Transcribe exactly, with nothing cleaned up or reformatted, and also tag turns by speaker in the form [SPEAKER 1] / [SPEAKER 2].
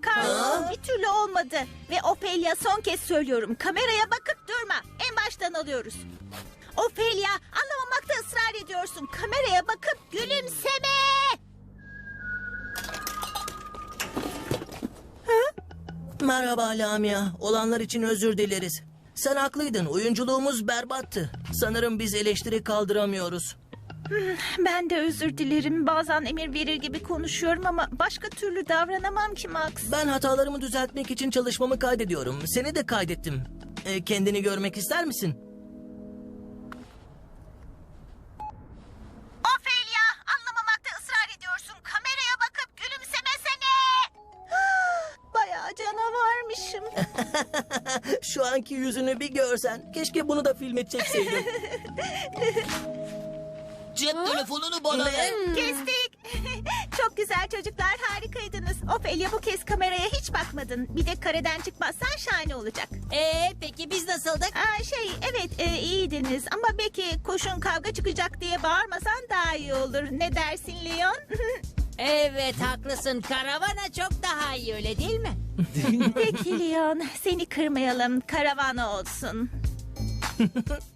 [SPEAKER 1] Carl. Bir türlü olmadı. Ve Ophelia, son kez söylüyorum. Kameraya bakıp durma. En baştan alıyoruz. Ophelia, anlamamakta ısrar ediyorsun. Kameraya bakıp gülümseme.
[SPEAKER 2] Merhaba Lamia. Olanlar için özür dileriz. Sen haklıydın. Oyunculuğumuz berbattı. Sanırım biz eleştiri kaldıramıyoruz.
[SPEAKER 1] Ben de özür dilerim. Bazen emir verir gibi konuşuyorum ama başka türlü davranamam ki Max.
[SPEAKER 2] Ben hatalarımı düzeltmek için çalışmamı kaydediyorum. Seni de kaydettim. Ee, kendini görmek ister misin?
[SPEAKER 1] Ophelia, anlamamakta ısrar ediyorsun. Kameraya bakıp gülümsemesene. Bayağı canavarmışım.
[SPEAKER 2] Şu anki yüzünü bir görsen. Keşke bunu da filme çekseydin.
[SPEAKER 3] Cep telefonunu bana ver.
[SPEAKER 1] Kestik. Çok güzel çocuklar, harikaydınız. Ophelia, bu kez kameraya hiç bakmadın. Bir de kareden çıkmazsan şahane olacak.
[SPEAKER 4] Ee, peki biz nasıldık?
[SPEAKER 1] Aa, şey evet e, iyiydiniz ama belki koşun kavga çıkacak diye bağırmasan daha iyi olur. Ne dersin Leon?
[SPEAKER 4] Evet, haklısın. Karavana çok daha iyi, öyle değil mi?
[SPEAKER 1] Peki Leon, seni kırmayalım, karavana olsun.